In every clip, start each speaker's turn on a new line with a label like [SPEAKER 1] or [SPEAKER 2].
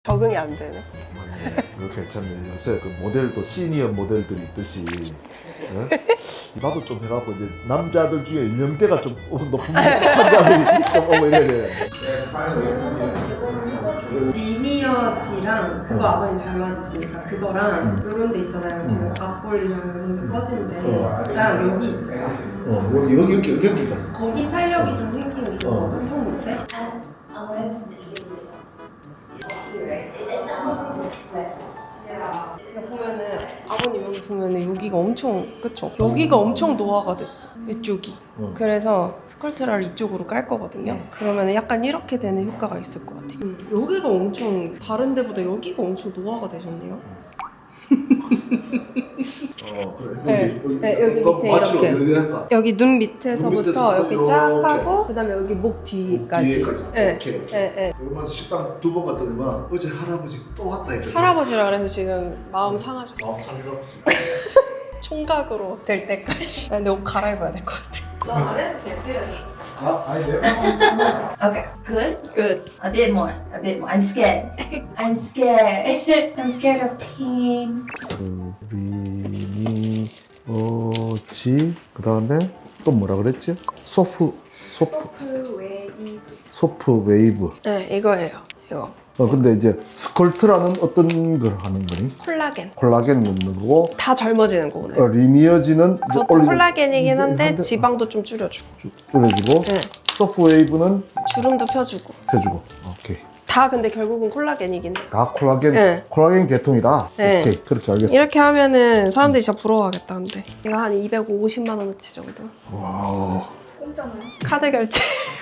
[SPEAKER 1] 적응이 안 되네.
[SPEAKER 2] 맞네. 이거 괜찮네. 요새 그 모델도 시니어 모델들이 있듯이 나도 좀 해갖고 이제 남자들 중에 연령대가 좀 높은 남자들이 좀 오고 이래야 돼.
[SPEAKER 1] 리니어지랑 그거 아버님 잘 맞으시니까 그거랑 요런 데 있잖아요. 지금 앞볼이랑 요런 데 꺼진데 나랑 여기 있죠.
[SPEAKER 2] 여기가.
[SPEAKER 1] 거기 탄력이 좀 생기면 좋아. 통 못해? 보면은 아버님 여기 보면은 여기가 엄청 그쵸? 여기가 엄청 노화가 됐어 이쪽이. 그래서 스컬트라를 이쪽으로 깔 거거든요. 그러면 약간 이렇게 되는 효과가 있을 것 같아요. 여기가 엄청 다른 데보다 여기가 엄청 노화가 되셨네요.
[SPEAKER 2] 그래.
[SPEAKER 1] 여기 밑에 이렇게. 여기 눈 밑에서부터 여기 쫙 하고 그다음에 여기 목 뒤까지.
[SPEAKER 2] 오케이. 얼마 식당 2번 갔더니만 어제 할아버지 또 왔다 이랬더니
[SPEAKER 1] 할아버지라 그래서 지금 마음 상하셨어요.
[SPEAKER 2] 마음 상해갖고
[SPEAKER 1] 총각으로 될 때까지. 근데 옷 갈아입어야 될 것 같아. 나 안 해도 되지?
[SPEAKER 2] 아니에요?
[SPEAKER 3] Okay, good.
[SPEAKER 1] Good.
[SPEAKER 3] A bit more. I'm scared. I'm scared. I'm scared of pain.
[SPEAKER 2] 리니어지 그 다음에 또 뭐라 그랬지? 소프 웨이브.
[SPEAKER 1] 네, 이거예요. 이거.
[SPEAKER 2] 근데 이제 스컬트라는 어떤 걸 하는 거니?
[SPEAKER 1] 콜라겐.
[SPEAKER 2] 콜라겐 넣는 거고
[SPEAKER 1] 다 젊어지는 거거든요.
[SPEAKER 2] 리니어지는 이제
[SPEAKER 1] 그것도
[SPEAKER 2] 올리고
[SPEAKER 1] 콜라겐이긴 한데 지방도 좀 줄여주고
[SPEAKER 2] 줄여주고
[SPEAKER 1] 네.
[SPEAKER 2] 소프 웨이브는
[SPEAKER 1] 주름도 펴주고
[SPEAKER 2] 해주고. 오케이.
[SPEAKER 1] 다 근데 결국은 콜라겐이긴 해.
[SPEAKER 2] 다 콜라겐
[SPEAKER 1] 네.
[SPEAKER 2] 콜라겐 계통이다.
[SPEAKER 1] 네.
[SPEAKER 2] 오케이. 그렇게 알겠어.
[SPEAKER 1] 이렇게 하면은 사람들이 진짜 부러워하겠다. 근데 이거 한 250만 원어치 정도.
[SPEAKER 2] 와.
[SPEAKER 3] 공짜나요?
[SPEAKER 1] 카드 결제.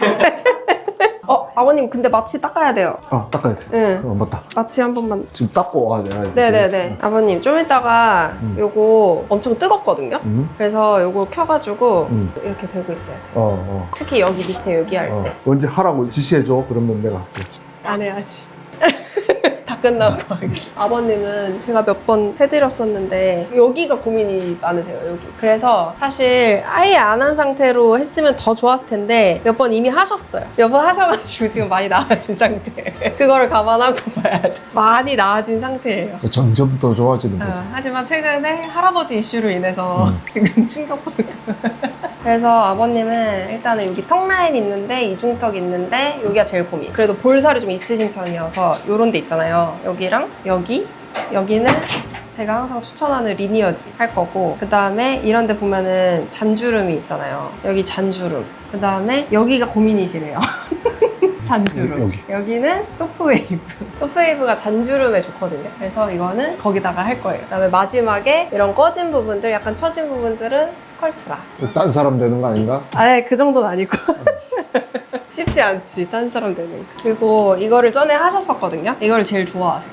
[SPEAKER 1] 아버님 근데 마취 닦아야 돼요.
[SPEAKER 2] 닦아야 돼.
[SPEAKER 1] 네.
[SPEAKER 2] 맞다.
[SPEAKER 1] 마취 한 번만.
[SPEAKER 2] 지금 닦고 와야 돼.
[SPEAKER 1] 네네네. 아버님 좀 이따가 요거 엄청 뜨겁거든요. 그래서 요거 켜가지고 이렇게 들고 있어야 돼. 특히 여기 밑에 여기 할 때.
[SPEAKER 2] 언제 하라고 지시해줘. 그러면 내가 할게.
[SPEAKER 1] 안 해야지. 다 끝나고 하기. 아버님은 제가 몇 번 해드렸었는데 여기가 고민이 많으세요. 여기. 그래서 사실 아예 안 한 상태로 했으면 더 좋았을 텐데 몇 번 이미 하셨어요. 몇 번 하셔가지고 지금 많이 나아진 상태. 그거를 감안하고 봐야 돼. 많이 나아진 상태예요.
[SPEAKER 2] 점점 더 좋아지는 거지.
[SPEAKER 1] 하지만 최근에 할아버지 이슈로 인해서 지금 충격받고 그래서 아버님은 일단은 여기 턱 라인 있는데 이중턱 있는데 여기가 제일 고민. 그래도 볼살이 좀 있으신 편이어서 요런 데 있잖아요. 여기랑 여기는 제가 항상 추천하는 리니어지 할 거고 그 다음에 이런 데 보면은 잔주름이 있잖아요. 여기 잔주름. 그 다음에 여기가 고민이시래요. 잔주름. 여기는 소프웨이브. 소프웨이브가 잔주름에 좋거든요. 그래서 이거는 거기다가 할 거예요. 그다음에 마지막에 이런 꺼진 부분들, 약간 처진 부분들은 스컬트라.
[SPEAKER 2] 딴 사람 되는 거 아닌가?
[SPEAKER 1] 아예 그 정도는 아니고. 쉽지 않지, 딴 사람 되는 거. 그리고 이거를 전에 하셨었거든요. 이거를 제일 좋아하세요.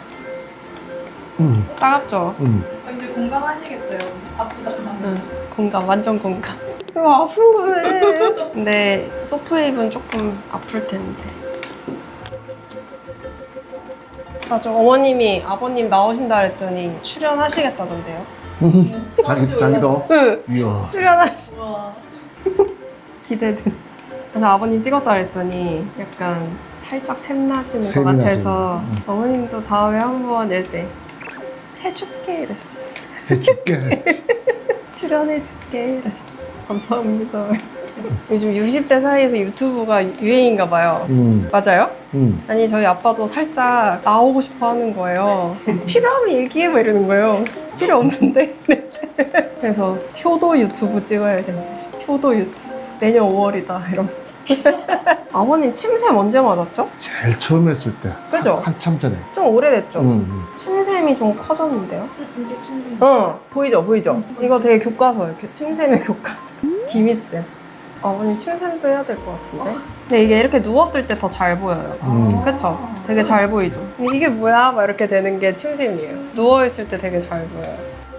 [SPEAKER 1] 따갑죠?
[SPEAKER 3] 이제 공감하시겠어요. 아프다.
[SPEAKER 1] 공감, 완전 공감. 이거 아픈 거네. 근데 소프웨이브는 조금 아플 텐데. 맞아, 어머님이 아버님 나오신다 그랬더니 출연하시겠다던데요.
[SPEAKER 2] 자기도?
[SPEAKER 1] 응,
[SPEAKER 2] 이야.
[SPEAKER 1] 출연하시.
[SPEAKER 3] 와.
[SPEAKER 1] 기대된다. 그래서 아버님 찍었다 그랬더니 약간 살짝 샘나시는 것
[SPEAKER 2] 샘이
[SPEAKER 1] 같아서
[SPEAKER 2] 나시네.
[SPEAKER 1] 어머님도 다음에 한번 이럴 때 해줄게 이러셨어요.
[SPEAKER 2] 해줄게.
[SPEAKER 1] 출연해줄게 이러셨어요. 감사합니다. 요즘 60대 사이에서 유튜브가 유행인가 봐요. 맞아요? 아니 저희 아빠도 살짝 나오고 싶어 하는 거예요. 필요하면 얘기해 뭐 이러는 거예요. 필요 없는데? 그래서 효도 유튜브 찍어야겠네. 효도 유튜브. 내년 5월이다 이러면서. 아버님 침샘 언제 맞았죠?
[SPEAKER 2] 제일 처음 했을 때.
[SPEAKER 1] 그죠?
[SPEAKER 2] 한참 전에.
[SPEAKER 1] 좀 오래됐죠? 침샘이 좀 커졌는데요?
[SPEAKER 3] 이게 충분히.
[SPEAKER 1] 보이죠? 이거 되게 교과서, 이렇게 침샘의 교과서. 김희쌤. 어머니 침샘도 해야 될 것 같은데? 근데 이게 이렇게 누웠을 때 더 잘 보여요. 그쵸? 되게 잘 보이죠? 이게 뭐야? 막 이렇게 되는 게 침샘이에요. 누워있을 때 되게 잘 보여요.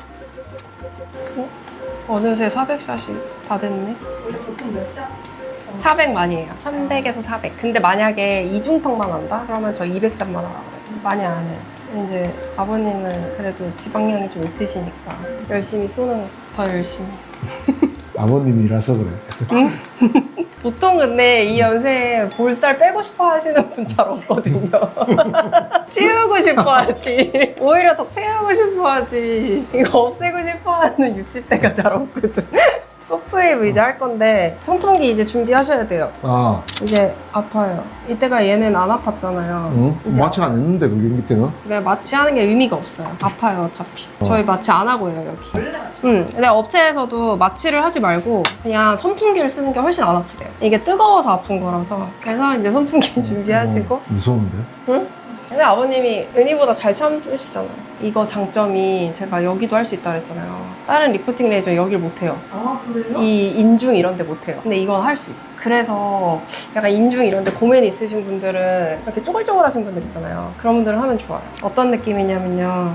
[SPEAKER 1] 어느새 400샷이 다 됐네.
[SPEAKER 3] 원래 보통 몇 샷?
[SPEAKER 1] 400만이에요. 300에서 400. 근데 만약에 이중턱만 한다? 그러면 저 200샷만 하라고 해요. 많이 안 해요. 이제 아버님은 그래도 지방량이 좀 있으시니까 열심히 쏘는 더 열심히.
[SPEAKER 2] 아버님이라서 그래.
[SPEAKER 1] 보통 근데 이 연세에 볼살 빼고 싶어 하시는 분 잘 없거든요. 채우고 싶어 하지. 오히려 더 채우고 싶어 하지. 이거 없애고 싶어 하는 60대가 잘 없거든. 소프웨이브 이제 할 건데 선풍기 이제 준비하셔야 돼요.
[SPEAKER 2] 아,
[SPEAKER 1] 이제 아파요. 이때가 얘는 안 아팠잖아요.
[SPEAKER 2] 응?
[SPEAKER 1] 이제
[SPEAKER 2] 마취 안 했는데 그게 밑에는?
[SPEAKER 1] 왜 마취하는 게 의미가 없어요. 아파요 어차피. 저희 마취 안 하고 해요 여기. 응. 근데 업체에서도 마취를 하지 말고 그냥 선풍기를 쓰는 게 훨씬 안 아프대요. 이게 뜨거워서 아픈 거라서. 그래서 이제 선풍기 준비하시고.
[SPEAKER 2] 무서운데?
[SPEAKER 1] 응? 근데 아버님이 은희보다 잘 참으시잖아요. 이거 장점이 제가 여기도 할 수 있다 그랬잖아요. 다른 리프팅 레이저 여길 못해요.
[SPEAKER 3] 아, 그래요?
[SPEAKER 1] 이 인중 이런 데 못해요. 근데 이건 할 수 있어. 그래서 약간 인중 이런 데 고민 있으신 분들은 이렇게 쪼글쪼글 하신 분들 있잖아요. 그런 분들은 하면 좋아요. 어떤 느낌이냐면요.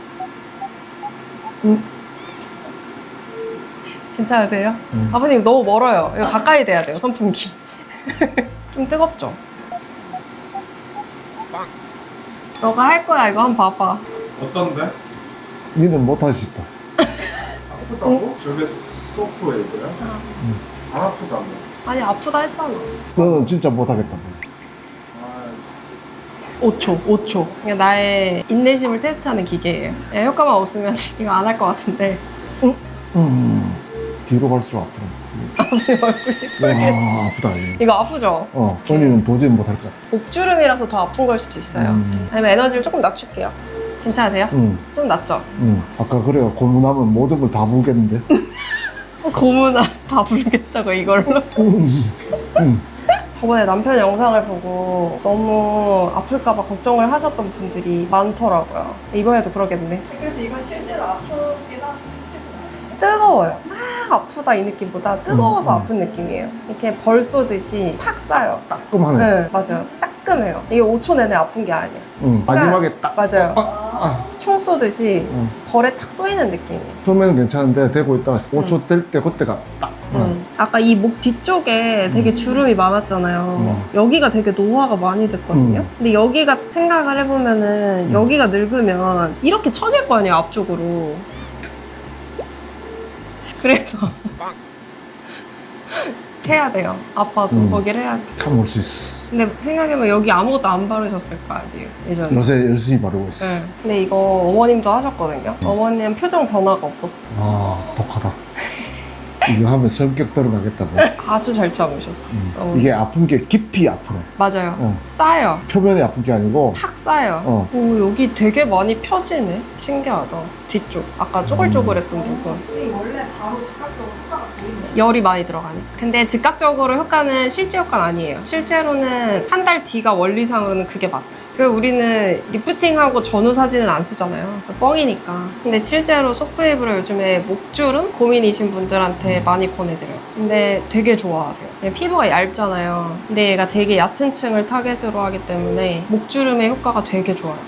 [SPEAKER 1] 괜찮으세요? 아버님 너무 멀어요. 이거 가까이 돼야 돼요, 선풍기. 좀 뜨겁죠? 너가 할 거야, 이거 한번 봐봐.
[SPEAKER 4] 어떤데?
[SPEAKER 2] 니는 못하지 싶어.
[SPEAKER 4] 아프다고? 저게 소프웨이브야? 안 아프다고?
[SPEAKER 1] 아니, 아프다 했잖아.
[SPEAKER 2] 너는 진짜 못하겠다.
[SPEAKER 4] 아,
[SPEAKER 1] 5초. 이게 나의 인내심을 테스트하는 기계예요. 효과만 없으면 이거 안 할 것 같은데.
[SPEAKER 2] 뒤로 갈수록 아프다.
[SPEAKER 1] 아버님 얼굴 시뻘게.
[SPEAKER 2] 와, 아프다. 이게.
[SPEAKER 1] 이거 아프죠?
[SPEAKER 2] 언니는 도저히 못할 것 같아.
[SPEAKER 1] 목주름이라서 더 아픈 걸 수도 있어요. 아니면 에너지를 조금 낮출게요. 괜찮으세요? 좀 낮죠?
[SPEAKER 2] 아까 그래요. 고문하면 모든 걸 다 부겠는데.
[SPEAKER 1] 고문아 다 부르겠다고 이걸로? 저번에 남편 영상을 보고 너무 아플까봐 걱정을 하셨던 분들이 많더라고요. 이번에도 그러겠네. 그래도 이건 실제로 아프긴 하시죠? 뜨거워요. 막 아프다 이 느낌보다 뜨거워서 아픈 느낌이에요. 이렇게 벌 쏘듯이 팍 쏴요.
[SPEAKER 2] 따끔하네.
[SPEAKER 1] 네, 맞아요. 따끔해요. 이게 5초 내내 아픈 게 아니에요.
[SPEAKER 2] 마지막에 딱.
[SPEAKER 1] 맞아요. 총 쏘듯이
[SPEAKER 2] 응.
[SPEAKER 1] 벌에 탁 쏘이는 느낌이에요.
[SPEAKER 2] 처음에는 괜찮은데 되고 있다가 5초 될 때 그때가 딱.
[SPEAKER 1] 아까 이 목 뒤쪽에 되게 주름이 많았잖아요. 여기가 되게 노화가 많이 됐거든요. 근데 여기가 생각을 해보면은 여기가 늙으면 이렇게 처질 거 아니에요, 앞쪽으로. 그래서 해야 돼요. 아파도 거기를 해야 돼.
[SPEAKER 2] 참을 수 있어.
[SPEAKER 1] 근데 생각해보면 여기 아무것도 안 바르셨을 거 아니에요, 예전에.
[SPEAKER 2] 요새 열심히 바르고 있어.
[SPEAKER 1] 네. 근데 이거 어머님도 하셨거든요. 어머님 표정 변화가 없었어.
[SPEAKER 2] 아, 독하다. 이거 하면 성격 드러나겠다고.
[SPEAKER 1] 아주 잘 참으셨어.
[SPEAKER 2] 이게 아픈 게 깊이 아프네.
[SPEAKER 1] 맞아요. 싸요.
[SPEAKER 2] 표면이 아픈 게 아니고.
[SPEAKER 1] 팍 싸요.
[SPEAKER 2] 어.
[SPEAKER 1] 오, 여기 되게 많이 펴지네. 신기하다. 뒤쪽. 아까 쪼글쪼글했던 부분.
[SPEAKER 3] 원래 바로 즉각적으로 효과가 보이는
[SPEAKER 1] 열이 많이 들어가네. 근데 즉각적으로 효과는 실제 효과는 아니에요. 실제로는 한 달 뒤가 원리상으로는 그게 맞지. 우리는 리프팅하고 전후 사진은 안 쓰잖아요. 뻥이니까. 근데 실제로 소프웨이브를 요즘에 목주름 고민이신 분들한테 많이 권해드려요. 근데 되게 좋아하세요. 피부가 얇잖아요. 근데 얘가 되게 얕은 층을 타겟으로 하기 때문에 목주름의 효과가 되게 좋아요.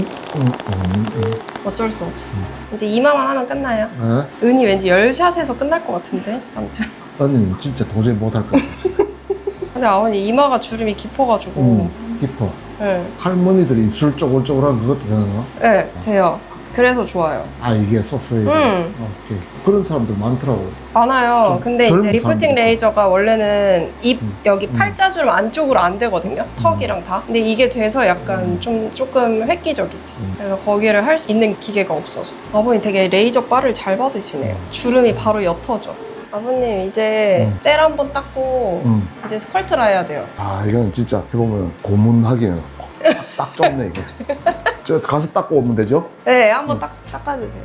[SPEAKER 1] 어쩔 수 없어. 이제 이마만 하면 끝나요.
[SPEAKER 2] 네?
[SPEAKER 1] 은이 왠지 10샷에서 끝날 것 같은데? 남편.
[SPEAKER 2] 언니는 진짜 도저히 못할 것 같아.
[SPEAKER 1] 근데 아버님 이마가 주름이 깊어가지고
[SPEAKER 2] 깊어.
[SPEAKER 1] 네.
[SPEAKER 2] 할머니들이 입술 쪼글쪼글한 그것도 되나?
[SPEAKER 1] 네, 돼요. 그래서 좋아요.
[SPEAKER 2] 아, 이게 소프웨이브. 오케이. 그런 사람들 많더라고.
[SPEAKER 1] 많아요.
[SPEAKER 2] 좀
[SPEAKER 1] 근데
[SPEAKER 2] 젊은
[SPEAKER 1] 이제 리프팅
[SPEAKER 2] 사람들.
[SPEAKER 1] 레이저가 원래는 입 여기 팔자주름 안쪽으로 안 되거든요. 턱이랑 다. 근데 이게 돼서 약간 조금 획기적이지. 그래서 거기를 할 수 있는 기계가 없어서. 아버님 되게 레이저 바를 잘 받으시네요. 주름이 바로 옅어져. 아버님 이제 젤 한번 닦고 이제 스컬트라 해야 돼요.
[SPEAKER 2] 아, 이건 진짜 해보면 고문하기는 딱 좋네, 이게. 저 가서 닦고 오면 되죠?
[SPEAKER 1] 네, 한번 닦아주세요.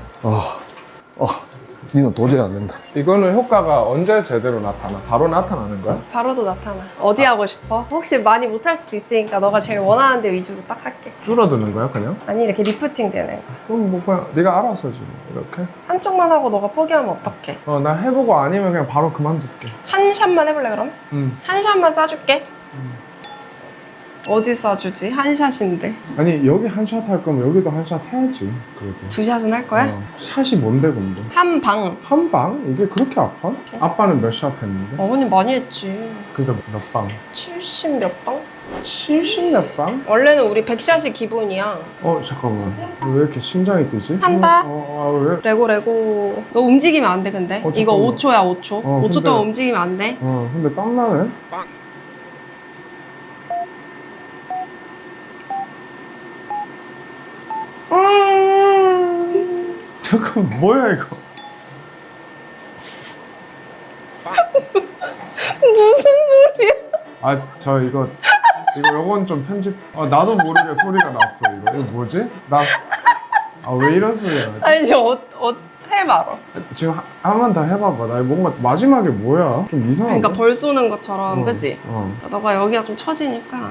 [SPEAKER 2] 니는 도저히 안 된다.
[SPEAKER 4] 이거는 효과가 언제 제대로 나타나? 바로 나타나는 거야?
[SPEAKER 1] 바로도 나타나. 어디 하고 싶어? 혹시 많이 못할 수도 있으니까 너가 제일 원하는 데 위주로 딱 할게.
[SPEAKER 4] 줄어드는 거야 그냥?
[SPEAKER 1] 아니 이렇게 리프팅 되는 거.
[SPEAKER 4] 그럼 뭐 그냥 네가 알아서 지 이렇게?
[SPEAKER 1] 한쪽만 하고 너가 포기하면 어떡해?
[SPEAKER 4] 나 해보고 아니면 그냥 바로 그만둘게.
[SPEAKER 1] 한 샷만 해볼래 그럼?
[SPEAKER 4] 응.
[SPEAKER 1] 한 샷만 쏴줄게. 어디 쏴주지? 한 샷인데.
[SPEAKER 4] 아니 여기 한 샷 할 거면 여기도 한 샷 해야지. 그래도.
[SPEAKER 1] 두 샷은 할 거야?
[SPEAKER 4] 샷이 뭔데 근데?
[SPEAKER 1] 한 방.
[SPEAKER 4] 한 방? 이게 그렇게 아파? 아빠는 몇 샷 했는데?
[SPEAKER 1] 어머님 많이 했지.
[SPEAKER 4] 그러니까 몇 방?
[SPEAKER 1] 70 몇 방?
[SPEAKER 4] 70몇 방?
[SPEAKER 1] 원래는 우리 100샷이 기본이야.
[SPEAKER 4] 잠깐만. 왜 이렇게 심장이 뛰지?
[SPEAKER 1] 한다.
[SPEAKER 4] 왜?
[SPEAKER 1] 레고. 너 움직이면 안 돼, 근데. 이거
[SPEAKER 4] 잠깐만.
[SPEAKER 1] 5초야, 5초. 5초
[SPEAKER 4] 근데-
[SPEAKER 1] 동안 움직이면 안 돼.
[SPEAKER 4] 근데 땀나네? 잠깐 뭐야 이거?
[SPEAKER 1] 무슨 소리야?
[SPEAKER 4] 저 이거 요건 좀 편집. 나도 모르게 소리가 났어 이거. 이거 뭐지? 왜 이런 소리가 나지?
[SPEAKER 1] 아니, 해봐라.
[SPEAKER 4] 지금 한 번 더 해봐봐. 나 뭔가 마지막에 뭐야? 좀 이상한데?
[SPEAKER 1] 그러니까 벌 쏘는 것처럼,
[SPEAKER 4] 어,
[SPEAKER 1] 그치?
[SPEAKER 4] 어.
[SPEAKER 1] 너가 여기가 좀 처지니까.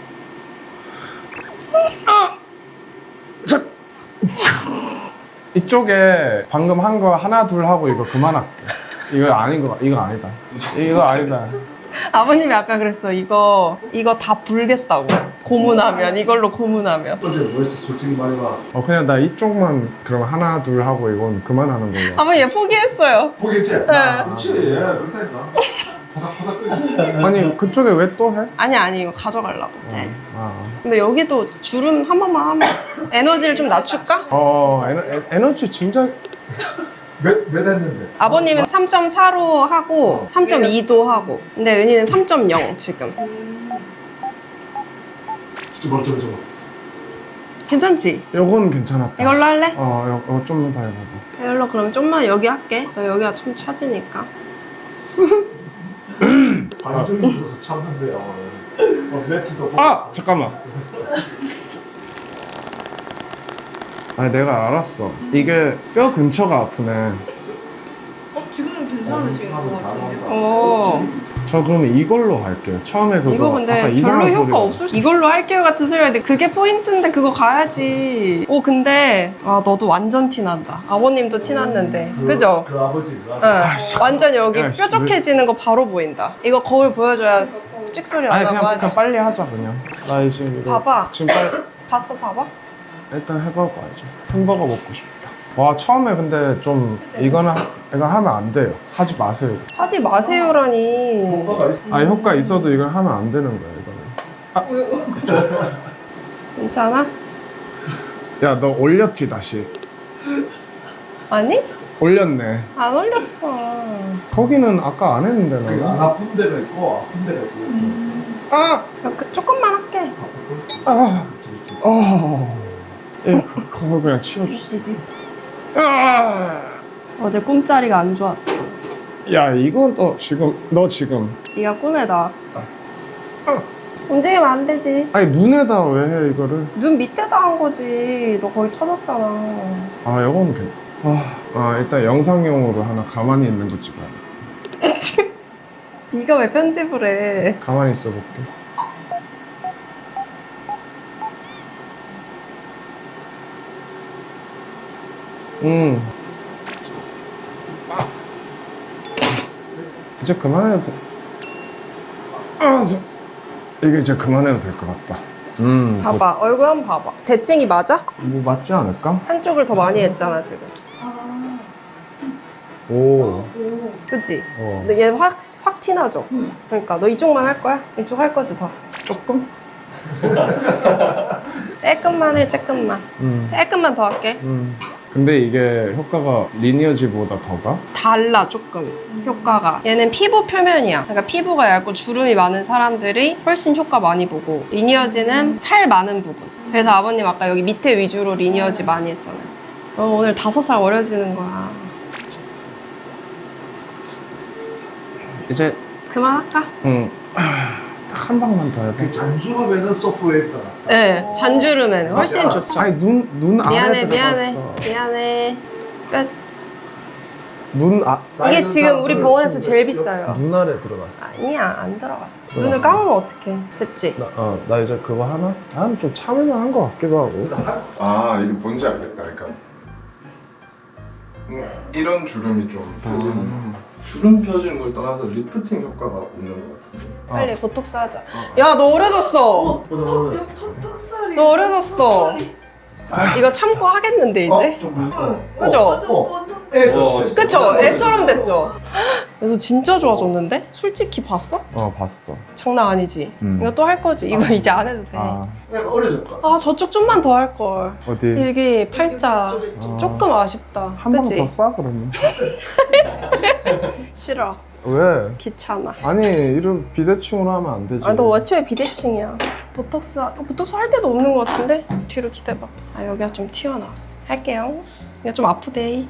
[SPEAKER 4] 이쪽에 방금 한 거 하나 둘 하고 이거 그만할게. 이거 아닌 거 이거 아니다. 이거 아니다.
[SPEAKER 1] 아버님이 아까 그랬어. 이거 다 불겠다고. 고문하면, 이걸로 고문하면.
[SPEAKER 2] 어제 뭐 했어? 솔직히 말해봐.
[SPEAKER 4] 그냥 나 이쪽만 그럼 하나 둘 하고 이건 그만하는 걸로.
[SPEAKER 1] 아버님 얘 포기했어요.
[SPEAKER 2] 보겠지?
[SPEAKER 1] 네.
[SPEAKER 2] 그렇지. 그렇다니까. 바닥 끓여.
[SPEAKER 4] 아니 그쪽에 왜 또 해?
[SPEAKER 1] 아니, 이거 가져가려고. 네.
[SPEAKER 4] 아.
[SPEAKER 1] 근데 여기도 주름 한 번만 하면 에너지를 좀 낮출까?
[SPEAKER 4] 에너지 진짜.
[SPEAKER 2] 몇 했는데?
[SPEAKER 1] 아버님은 3.4로 하고 3.2도 하고 근데 은희는 3.0 지금.
[SPEAKER 2] 저거.
[SPEAKER 1] 괜찮지?
[SPEAKER 4] 요건 괜찮았다.
[SPEAKER 1] 이걸로 할래?
[SPEAKER 4] 이거 좀만 더 해봐봐.
[SPEAKER 1] 이걸로 그럼 좀만 여기 할게. 여기가 좀 차지니까.
[SPEAKER 2] 관절이 있어서 참는데요. 매트도.
[SPEAKER 4] 잠깐만. 내가 알았어. 이게 뼈 근처가 아프네.
[SPEAKER 5] 지금은 괜찮으신 것 같은데요?
[SPEAKER 1] 어.
[SPEAKER 4] 저 그러면 이걸로 할게요. 처음에 그거
[SPEAKER 1] 이거 근데
[SPEAKER 4] 아까
[SPEAKER 1] 별로
[SPEAKER 4] 이상한
[SPEAKER 1] 효과
[SPEAKER 4] 소리가
[SPEAKER 1] 없을 수. 이걸로 할게요 같은 소리 하는데 그게 포인트인데 그거 가야지. 근데 너도 완전 티난다. 아버님도 티났는데. 그죠?
[SPEAKER 2] 그 아버지가.
[SPEAKER 1] 응. 완전 여기
[SPEAKER 4] 야, 씨,
[SPEAKER 1] 뾰족해지는 거 바로 보인다. 이거 거울 보여줘야 찍소리
[SPEAKER 4] 아니
[SPEAKER 1] 나고
[SPEAKER 4] 그냥
[SPEAKER 1] 하지.
[SPEAKER 4] 빨리 하자 그냥. 나 이제 이거
[SPEAKER 1] 봐봐.
[SPEAKER 4] 지금 빨리
[SPEAKER 1] 봤어, 봐봐.
[SPEAKER 4] 일단 해보고 와야지. 햄버거 먹고 싶다. 와 처음에 근데 좀 이거 하면 안 돼요. 하지 마세요.
[SPEAKER 1] 하지 마세요라니.
[SPEAKER 2] 효과가 있어.
[SPEAKER 4] 효과 있어도 이걸 하면 안 되는 거야 이거는.
[SPEAKER 1] 괜찮아?
[SPEAKER 4] 야 너 올렸지 다시.
[SPEAKER 1] 아니?
[SPEAKER 4] 올렸네.
[SPEAKER 1] 안 올렸어.
[SPEAKER 4] 거기는 아까 안 했는데
[SPEAKER 2] 안
[SPEAKER 4] 나.
[SPEAKER 2] 아픈 데가 있고 아픈 데가 있고.
[SPEAKER 4] 아!
[SPEAKER 1] 조금만 할게.
[SPEAKER 4] 아!
[SPEAKER 2] 그렇지.
[SPEAKER 4] 그걸 그냥 치워주세요. 아!
[SPEAKER 1] 어제 꿈자리가 안 좋았어.
[SPEAKER 4] 야 이건 너 지금
[SPEAKER 1] 네가 꿈에 나왔어. 움직이면 안 되지.
[SPEAKER 4] 아니 눈에다 왜 해 이거를?
[SPEAKER 1] 눈 밑에다 한 거지. 너 거의 쳐졌잖아.
[SPEAKER 4] 이건 일단 영상용으로 하나 가만히 있는 거 찍어야 돼.
[SPEAKER 1] 네가 왜 편집을 해?
[SPEAKER 4] 가만히 있어볼게. 이제 그만해도 돼. 이게 이제 그만해도 될 것 같다.
[SPEAKER 1] 봐봐. 얼굴 한번 봐봐. 대칭이 맞아?
[SPEAKER 4] 뭐 맞지 않을까?
[SPEAKER 1] 한쪽을 더 많이 했잖아 지금.
[SPEAKER 4] 오.
[SPEAKER 1] 그치?
[SPEAKER 4] 어.
[SPEAKER 1] 근데 얘 확 티나죠? 그러니까 너 이쪽만 할 거야? 이쪽 할 거지 더?
[SPEAKER 4] 조금?
[SPEAKER 1] 조금만 해, 조금만. 조금만 더 할게.
[SPEAKER 4] 근데 이게 효과가 리니어지보다 더가?
[SPEAKER 1] 달라 조금 효과가. 얘는 피부 표면이야. 그러니까 피부가 얇고 주름이 많은 사람들이 훨씬 효과 많이 보고, 리니어지는 살 많은 부분. 그래서 아버님 아까 여기 밑에 위주로 리니어지 많이 했잖아요. 오늘 5살 어려지는 거야.
[SPEAKER 4] 이제
[SPEAKER 1] 그만할까?
[SPEAKER 4] 딱 한 방만 더 해야 돼.
[SPEAKER 2] 그 잔주름에는 소프트웨어가 낫다.
[SPEAKER 1] 네, 잔주름에는 훨씬 좋죠.
[SPEAKER 4] 아니 눈 안에
[SPEAKER 1] 미안해. 끝.
[SPEAKER 4] 눈
[SPEAKER 1] 이게 지금 우리 병원에서 제일 비싸요.
[SPEAKER 4] 눈 아래 들어갔어.
[SPEAKER 1] 아니야, 안 들어갔어. 눈을 감으면 어떡해. 됐지?
[SPEAKER 4] 나 이제 그거 하나? 나는 좀 참을만 한 것 같기도 하고. 이게 뭔지 알겠다. 그러니까 이런 주름이 좀
[SPEAKER 6] 주름 펴지는 걸 떠나서 리프팅 효과가 있는 것 같은데.
[SPEAKER 1] 빨리 보톡스 하자. 야, 너 어려졌어.
[SPEAKER 5] 턱살이.
[SPEAKER 1] 너 어려졌어. 이거 참고 하겠는데, 이제?
[SPEAKER 2] 좀 불편해.
[SPEAKER 1] 그죠?
[SPEAKER 2] 애 그렇지.
[SPEAKER 1] 그쵸? 애처럼 됐죠? 그래서 진짜 좋아졌는데? 솔직히 봤어?
[SPEAKER 4] 봤어.
[SPEAKER 1] 장난 아니지? 이거 또 할 거지? 이거 이제 안 해도 돼.
[SPEAKER 2] 내가 어려졌다.
[SPEAKER 1] 아 저쪽 좀만 더 할 걸.
[SPEAKER 4] 어디?
[SPEAKER 1] 여기 팔자 조금 아쉽다.
[SPEAKER 4] 한 번
[SPEAKER 1] 그치?
[SPEAKER 4] 더 싸 그러면.
[SPEAKER 1] 싫어.
[SPEAKER 4] 왜?
[SPEAKER 1] 귀찮아.
[SPEAKER 4] 아니 이런 비대칭으로 하면 안 되지.
[SPEAKER 1] 아 너 애초에 비대칭이야. 보톡스 할 데도 없는 것 같은데? 뒤로 기대봐. 아 여기가 좀 튀어나왔어. 할게요. 이거 좀 아프대.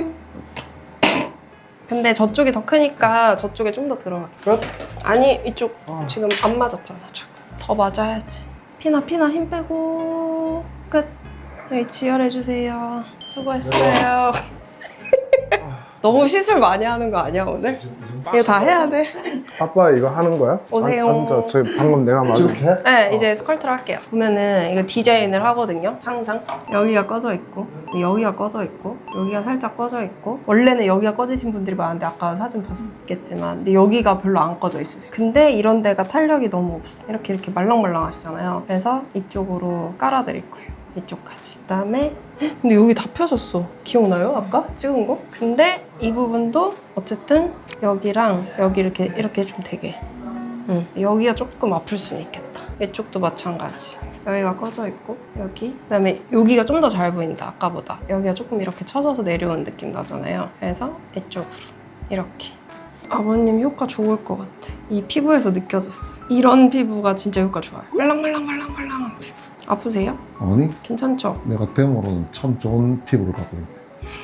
[SPEAKER 1] 근데 저쪽이 더 크니까 저쪽에 좀 더 들어가.
[SPEAKER 4] 끝?
[SPEAKER 1] 아니 이쪽 지금 안 맞았잖아. 더 맞아야지. 피나 힘 빼고 끝. 여기 지혈해주세요. 수고했어요. 너무 시술 많이 하는 거 아니야 오늘? 이거 다 해야 돼.
[SPEAKER 4] 아빠 이거 하는 거야?
[SPEAKER 1] 오세요.
[SPEAKER 4] 앉아. 저 방금 내가 말한.
[SPEAKER 2] 이렇게 해?
[SPEAKER 1] 네, 이제 스컬트를 할게요. 보면은 이거 디자인을 하거든요. 항상 여기가 꺼져 있고 여기가 꺼져 있고 여기가 살짝 꺼져 있고 원래는 여기가 꺼지신 분들이 많은데 아까 사진 봤겠지만 근데 여기가 별로 안 꺼져 있으세요. 근데 이런 데가 탄력이 너무 없어. 이렇게 말랑말랑 하시잖아요. 그래서 이쪽으로 깔아드릴 거예요. 이쪽까지. 그다음에 근데 여기 다 펴졌어. 기억나요? 아까 찍은 거? 근데 이 부분도 어쨌든 여기랑 여기 이렇게 좀 되게 여기가 조금 아플 수는 있겠다. 이쪽도 마찬가지. 여기가 꺼져 있고 여기 그다음에 여기가 좀 더 잘 보인다. 아까보다 여기가 조금 이렇게 쳐져서 내려온 느낌 나잖아요. 그래서 이쪽으로 이렇게 아버님 효과 좋을 것 같아. 이 피부에서 느껴졌어. 이런 피부가 진짜 효과 좋아요. 말랑말랑한 피부. 아프세요?
[SPEAKER 2] 아니
[SPEAKER 1] 괜찮죠?
[SPEAKER 2] 내가 데모로는 참 좋은 피부를 갖고 있네.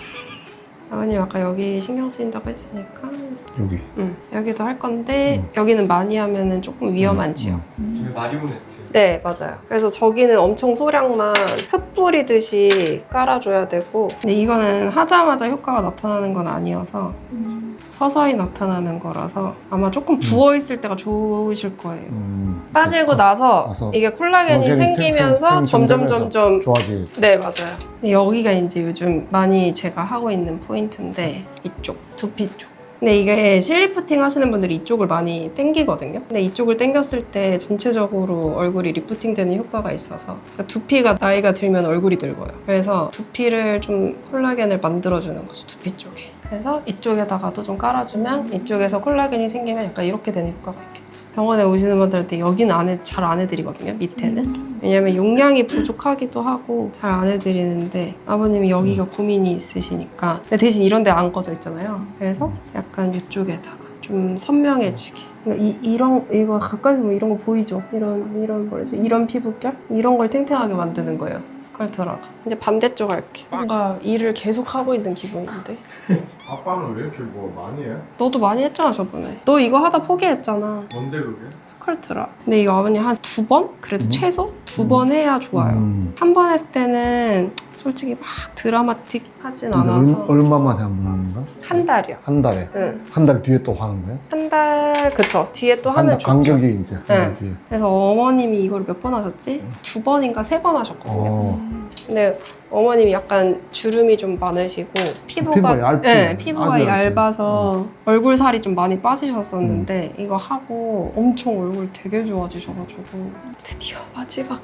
[SPEAKER 1] 아버님 아까 여기 신경 쓰인다고 했으니까
[SPEAKER 2] 여기.
[SPEAKER 1] 여기도 할 건데 여기는 많이 하면은 조금 위험한 지역.
[SPEAKER 6] 마리오네트.
[SPEAKER 1] 네 맞아요. 그래서 저기는 엄청 소량만 흙 뿌리듯이 깔아줘야 되고 근데 이거는 하자마자 효과가 나타나는 건 아니어서 서서히 나타나는 거라서 아마 조금 부어있을 때가 좋으실 거예요. 빠지고 나서 이게 콜라겐이 생기면서 점점
[SPEAKER 2] 좋아지겠지.
[SPEAKER 1] 네 맞아요. 근데 여기가 이제 요즘 많이 제가 하고 있는 포인트인데 이쪽 두피 쪽. 근데 이게 실리프팅 하시는 분들이 이쪽을 많이 땡기거든요. 근데 이쪽을 땡겼을 때 전체적으로 얼굴이 리프팅 되는 효과가 있어서 그러니까 두피가 나이가 들면 얼굴이 늙어요. 그래서 두피를 좀 콜라겐을 만들어주는 거죠. 두피 쪽에. 그래서 이쪽에다가도 좀 깔아주면 이쪽에서 콜라겐이 생기면 약간 이렇게 되는 효과가 있겠죠. 병원에 오시는 분들한테 여기는 잘 안 해드리거든요. 밑에는. 왜냐면 용량이 부족하기도 하고 잘 안 해드리는데 아버님이 여기가 고민이 있으시니까 근데 대신 이런 데 안 꺼져 있잖아요. 그래서 약간 이쪽에다가 좀 선명해지게 이거 가까이서 보면 이런 거 보이죠? 이런 뭐라지? 이런 피부결? 이런 걸 탱탱하게 만드는 거예요. 스컬트라가. 이제 반대쪽 할게. 뭔가 일을 계속 하고 있는 기분인데.
[SPEAKER 4] 아빠는 왜 이렇게 뭐 많이 해?
[SPEAKER 1] 너도 많이 했잖아 저번에. 너 이거 하다 포기했잖아.
[SPEAKER 6] 뭔데 그게?
[SPEAKER 1] 스컬트라. 근데 이거 아버님 한 2번? 그래도 최소 2번 해야 좋아요. 한 번 했을 때는 솔직히 막 드라마틱 하진
[SPEAKER 2] 근데
[SPEAKER 1] 않아서
[SPEAKER 2] 얼마만에 한 번 하는 거야?
[SPEAKER 1] 한 달이요.
[SPEAKER 2] 한 달에?
[SPEAKER 1] 응.
[SPEAKER 2] 한 달 뒤에 또 하는 거야?
[SPEAKER 1] 한 달 그쵸. 뒤에 또
[SPEAKER 2] 한
[SPEAKER 1] 하면
[SPEAKER 2] 달
[SPEAKER 1] 좋죠.
[SPEAKER 2] 간격이 이제 한 달
[SPEAKER 1] 네.
[SPEAKER 2] 뒤에.
[SPEAKER 1] 그래서 어머님이 이걸 몇 번 하셨지? 2번인가 3번 하셨거든요. 근데 어머님이 약간 주름이 좀 많으시고
[SPEAKER 2] 피부가 얇지?
[SPEAKER 1] 네, 피부가
[SPEAKER 2] 아주 얇지.
[SPEAKER 1] 얇아서 얼굴 살이 좀 많이 빠지셨었는데 이거 하고 엄청 얼굴 되게 좋아지셔가지고 드디어 마지막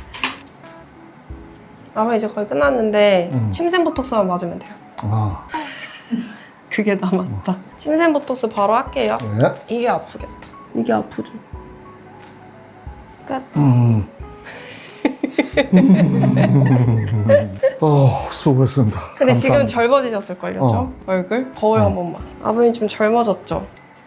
[SPEAKER 1] 아마 이제 거의 끝났는데 침샘 보톡스만 맞으면 돼요.
[SPEAKER 2] 아,
[SPEAKER 1] 그게 남았다. 침샘 보톡스 바로 할게요.
[SPEAKER 2] 네.
[SPEAKER 1] 이게 아프겠다. 이게 아프죠. 끝.
[SPEAKER 2] 수고했습니다.
[SPEAKER 1] 근데
[SPEAKER 2] 감사합니다.
[SPEAKER 1] 지금 젊어지셨을걸요, 좀?
[SPEAKER 2] 어.
[SPEAKER 1] 얼굴? 거울 한 번만. 아버님 좀 젊어졌죠?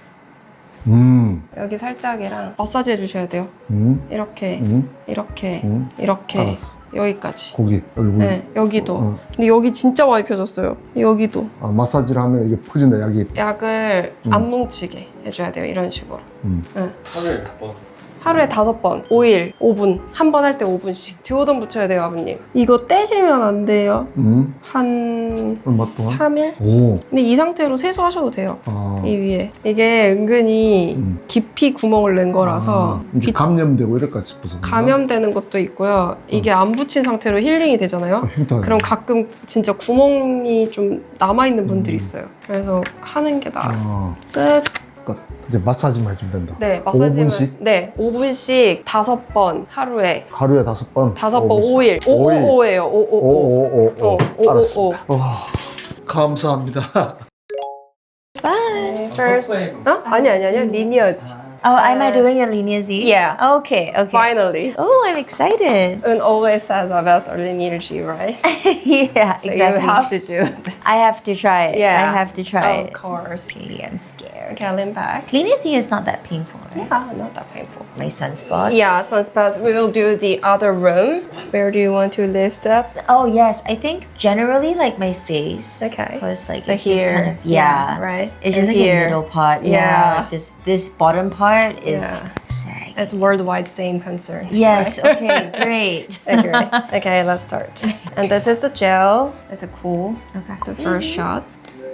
[SPEAKER 1] 여기 살짝이랑 마사지 해주셔야 돼요. 이렇게, 이렇게, 이렇게,
[SPEAKER 2] 알았어.
[SPEAKER 1] 여기까지.
[SPEAKER 2] 고기, 얼굴.
[SPEAKER 1] 네, 여기도. 근데 여기 진짜 많이 펴졌어요. 여기도.
[SPEAKER 2] 아, 마사지를 하면 이게 퍼진다, 약이.
[SPEAKER 1] 약을 안 뭉치게 해줘야 돼요, 이런 식으로.
[SPEAKER 6] 하루에 몇 번?
[SPEAKER 1] 하루에 5번, 5일, 5분. 한 번 할 때 5분씩. 듀오돈 붙여야 돼요, 아버님. 이거 떼시면 안 돼요. 한
[SPEAKER 2] 얼마 동안?
[SPEAKER 1] 3일?
[SPEAKER 2] 오.
[SPEAKER 1] 근데 이 상태로 세수하셔도 돼요.
[SPEAKER 2] 아.
[SPEAKER 1] 이 위에. 이게 은근히 깊이 구멍을 낸 거라서
[SPEAKER 2] 이제 감염되고 이럴까 싶어서.
[SPEAKER 1] 감염되는 것도 있고요. 이게 안 붙인 상태로 힐링이 되잖아요.
[SPEAKER 2] 힘들어.
[SPEAKER 1] 그럼 가끔 진짜 구멍이 좀 남아있는 분들이 있어요. 그래서 하는 게 나아요. 끝.
[SPEAKER 2] 끝. 이제 마사지만 해주면 된다.
[SPEAKER 1] 네, 마사지는
[SPEAKER 2] 5분씩?
[SPEAKER 1] 네, 5분씩 5번 하루에.
[SPEAKER 2] 하루에 5번?
[SPEAKER 1] 5번
[SPEAKER 2] 5분씩.
[SPEAKER 1] 5일. 555예요. 555.
[SPEAKER 2] 555.
[SPEAKER 1] 어,
[SPEAKER 2] 알았습니다. 감사합니다.
[SPEAKER 1] 짠! Okay, first. 어? 아니야. 리니어지.
[SPEAKER 7] Oh, am I doing a linear Z?
[SPEAKER 1] Yeah.
[SPEAKER 7] Okay, okay.
[SPEAKER 1] Finally.
[SPEAKER 7] Oh, I'm excited.
[SPEAKER 1] Un always says about lineage, right?
[SPEAKER 7] Yeah,
[SPEAKER 1] So
[SPEAKER 7] exactly.
[SPEAKER 1] you have to do it.
[SPEAKER 7] I have to try it.
[SPEAKER 1] Yeah.
[SPEAKER 7] I have to try
[SPEAKER 1] Of
[SPEAKER 7] it.
[SPEAKER 1] course.
[SPEAKER 7] Okay, I'm scared.
[SPEAKER 1] Okay, lean back.
[SPEAKER 7] Linear Z is not that painful, right?
[SPEAKER 1] Yeah, not that painful.
[SPEAKER 7] My sunspots.
[SPEAKER 1] Yeah, sunspots. We will do the other room. Where do you want to lift up?
[SPEAKER 7] Oh yes, I think generally like my face.
[SPEAKER 1] Okay.
[SPEAKER 7] Because like
[SPEAKER 1] Like
[SPEAKER 7] it's just
[SPEAKER 1] here.
[SPEAKER 7] kind of
[SPEAKER 1] Yeah, right.
[SPEAKER 7] It's just
[SPEAKER 1] And
[SPEAKER 7] like
[SPEAKER 1] here.
[SPEAKER 7] a middle part.
[SPEAKER 1] Yeah.
[SPEAKER 7] Yeah. Like this bottom part is
[SPEAKER 1] Yeah.
[SPEAKER 7] sag.
[SPEAKER 1] It's worldwide same concern.
[SPEAKER 7] Yes.
[SPEAKER 1] right?
[SPEAKER 7] Okay. Great.
[SPEAKER 1] Okay, okay, let's start. And this is the gel. It's a cool.
[SPEAKER 7] Okay.
[SPEAKER 1] The first shot.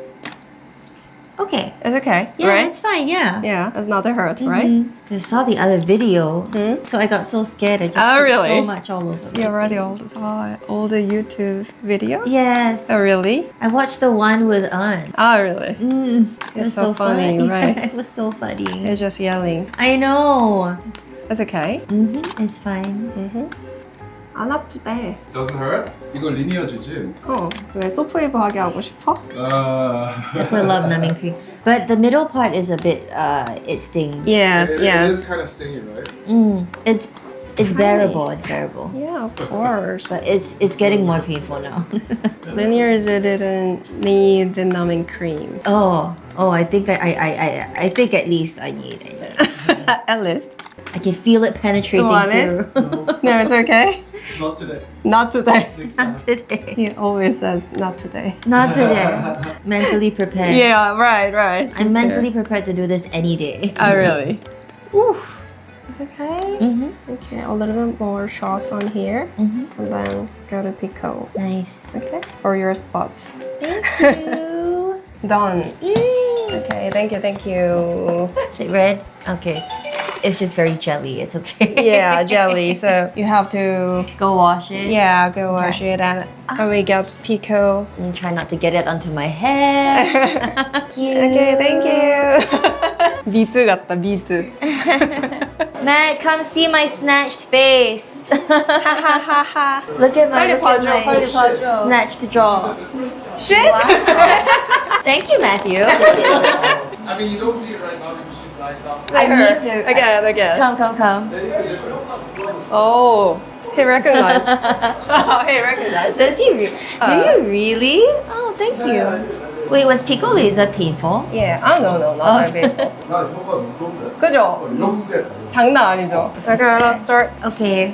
[SPEAKER 7] Okay.
[SPEAKER 1] It's okay,
[SPEAKER 7] Yeah,
[SPEAKER 1] right?
[SPEAKER 7] it's fine. Yeah.
[SPEAKER 1] Yeah, it's not a hurt, right?
[SPEAKER 7] I saw the other video, so I got so scared. I just
[SPEAKER 1] Oh,
[SPEAKER 7] put
[SPEAKER 1] really?
[SPEAKER 7] so much all over.
[SPEAKER 1] You already all the YouTube video?
[SPEAKER 7] Yes.
[SPEAKER 1] Oh, really?
[SPEAKER 7] I watched the one with An.
[SPEAKER 1] Oh, really?
[SPEAKER 7] It
[SPEAKER 1] It's
[SPEAKER 7] was
[SPEAKER 1] so funny, right?
[SPEAKER 7] It was so funny.
[SPEAKER 1] It's just yelling.
[SPEAKER 7] I know.
[SPEAKER 1] It's okay.
[SPEAKER 7] It's fine.
[SPEAKER 1] 안 아프대.
[SPEAKER 6] Doesn't hurt? 이거 리니어지지?
[SPEAKER 1] 왜 소프웨이브 하게 하고 싶어?
[SPEAKER 7] We love numbing cream, but the middle part is a bit. It stings.
[SPEAKER 1] Yes,
[SPEAKER 6] It
[SPEAKER 1] yes.
[SPEAKER 6] is kind of stingy, right?
[SPEAKER 7] It's bearable. It's bearable.
[SPEAKER 1] Yeah, of course.
[SPEAKER 7] But it's getting more painful now.
[SPEAKER 1] Linears didn't need the numbing cream.
[SPEAKER 7] oh, I think I think at least I need it.
[SPEAKER 1] At least.
[SPEAKER 7] I can feel it penetrating
[SPEAKER 1] You want it?
[SPEAKER 7] through.
[SPEAKER 1] No, it's okay.
[SPEAKER 6] Not today.
[SPEAKER 1] Not today.
[SPEAKER 7] Not today.
[SPEAKER 1] He always says not today.
[SPEAKER 7] Not today. Mentally prepared.
[SPEAKER 1] Yeah, right.
[SPEAKER 7] I'm mentally prepared to do this any day.
[SPEAKER 1] Oh, really? Oof. It's okay. Okay, a little bit more shots on here. And then go to Pico.
[SPEAKER 7] Nice.
[SPEAKER 1] Okay? For your spots.
[SPEAKER 7] Thank you.
[SPEAKER 1] Done. Okay, thank you.
[SPEAKER 7] Is it red? Okay, it's just very jelly. It's okay.
[SPEAKER 1] Yeah, jelly. So you have to,
[SPEAKER 7] Go wash it.
[SPEAKER 1] yeah, go wash it. And when we get Pico.
[SPEAKER 7] And try not to get it onto my hair. Thank you.
[SPEAKER 1] Okay, thank you. 비트 같다, 비트.
[SPEAKER 7] Matt, come see my snatched face. Look at my,
[SPEAKER 1] 빨리
[SPEAKER 7] look
[SPEAKER 1] 봐줘,
[SPEAKER 7] at my
[SPEAKER 1] 빨리 봐줘.
[SPEAKER 7] snatched jaw.
[SPEAKER 1] Shit!
[SPEAKER 7] Thank you, Matthew.
[SPEAKER 6] I mean, you don't see it right now because she's lying down.
[SPEAKER 7] I need to.
[SPEAKER 1] Again.
[SPEAKER 7] Come.
[SPEAKER 6] There is a difference.
[SPEAKER 1] Oh, he recognized. Oh, he recognized.
[SPEAKER 7] Does he? Do you really? Oh, thank you. Wait, was Pico laser painful?
[SPEAKER 1] Yeah. Ah, no, not that painful.
[SPEAKER 2] 나 효과 너무 좋은데.
[SPEAKER 1] 그죠?
[SPEAKER 2] 이런데
[SPEAKER 1] 장난 아니죠? Okay, let's start.
[SPEAKER 7] Okay.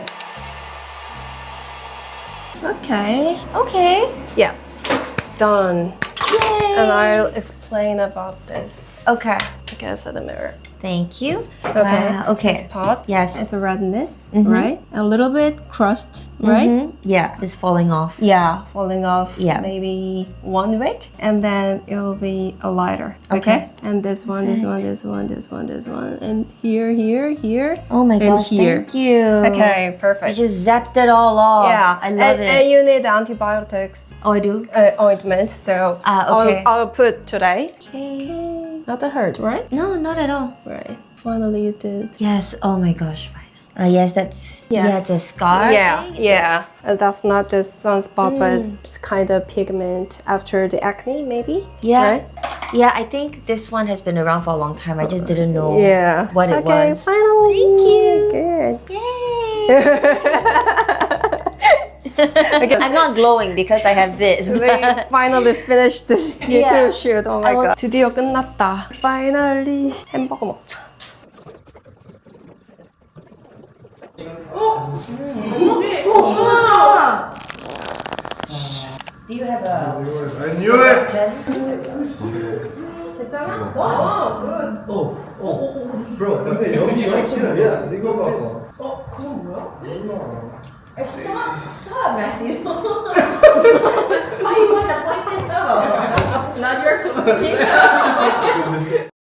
[SPEAKER 1] Okay.
[SPEAKER 7] Okay.
[SPEAKER 1] Yes. Done.
[SPEAKER 7] Yay.
[SPEAKER 1] And I'll explain about this.
[SPEAKER 7] Okay.
[SPEAKER 1] Okay, so the mirror.
[SPEAKER 7] Thank you.
[SPEAKER 1] Okay.
[SPEAKER 7] Wow, okay.
[SPEAKER 1] This part.
[SPEAKER 7] Yes.
[SPEAKER 1] It's a redness, right? A little bit crust, right?
[SPEAKER 7] Yeah, it's falling off.
[SPEAKER 1] Yeah, falling off.
[SPEAKER 7] Yeah.
[SPEAKER 1] Maybe one weight, and then it will be a lighter.
[SPEAKER 7] Okay.
[SPEAKER 1] And this one, this one, and here.
[SPEAKER 7] Oh my
[SPEAKER 1] And
[SPEAKER 7] gosh,
[SPEAKER 1] here.
[SPEAKER 7] thank you.
[SPEAKER 1] Okay,
[SPEAKER 7] You
[SPEAKER 1] perfect.
[SPEAKER 7] just zapped it all off.
[SPEAKER 1] Yeah,
[SPEAKER 7] I love it.
[SPEAKER 1] And you need antibiotics.
[SPEAKER 7] Oh, I do?
[SPEAKER 1] Ointment. So
[SPEAKER 7] Okay.
[SPEAKER 1] I'll put today.
[SPEAKER 7] Okay.
[SPEAKER 1] Not that hurt, right?
[SPEAKER 7] No, not at all.
[SPEAKER 1] Right. Finally, you did.
[SPEAKER 7] Yes, oh my gosh, finally. Yes, that's yeah,
[SPEAKER 1] Yes.
[SPEAKER 7] it's a scar.
[SPEAKER 1] Yeah. And that's not the sunspot, but it's kind of pigment after the acne, maybe.
[SPEAKER 7] Yeah.
[SPEAKER 1] Right?
[SPEAKER 7] Yeah, I think this one has been around for a long time. I just didn't know
[SPEAKER 1] Yeah.
[SPEAKER 7] what it
[SPEAKER 1] okay,
[SPEAKER 7] was.
[SPEAKER 1] finally.
[SPEAKER 7] Thank you.
[SPEAKER 1] Good.
[SPEAKER 7] Yay! I'm not glowing because I have this.
[SPEAKER 1] We finally finished this
[SPEAKER 7] Yeah.
[SPEAKER 1] YouTube shoot. Oh my
[SPEAKER 7] I want-
[SPEAKER 1] god. 드디어 끝났다. Finally 햄버거 먹자.
[SPEAKER 7] Do you have a
[SPEAKER 2] I knew it. Bro, 근데 여기 야 이거 봐봐.
[SPEAKER 7] Stop, Matthew. Why you want to point it out? Not your